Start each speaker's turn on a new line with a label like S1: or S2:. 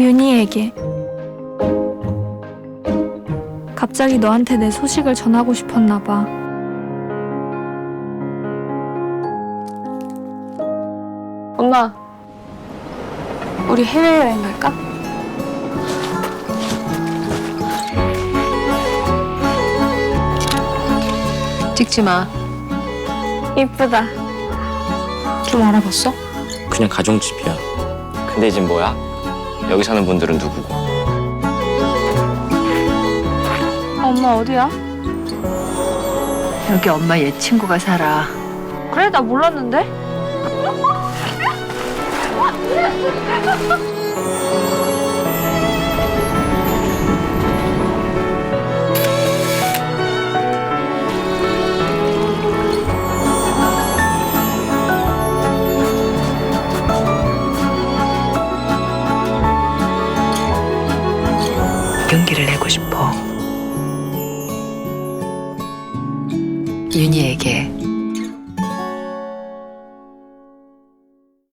S1: 윤희에게. 갑자기 너한테 내 소식을 전하고 싶었나 봐. 엄마, 우리 해외여행 갈까?
S2: 찍지 마.
S1: 이쁘다.
S2: 좀 알아봤어?
S3: 그냥 가정집이야. 근데 이젠 뭐야? 여기 사는 분들은 누구고?
S1: 엄마 어디야?
S2: 여기 엄마 옛 친구가 살아.
S1: 그래, 나 몰랐는데?
S2: 용기를 내고 싶어. 윤희에게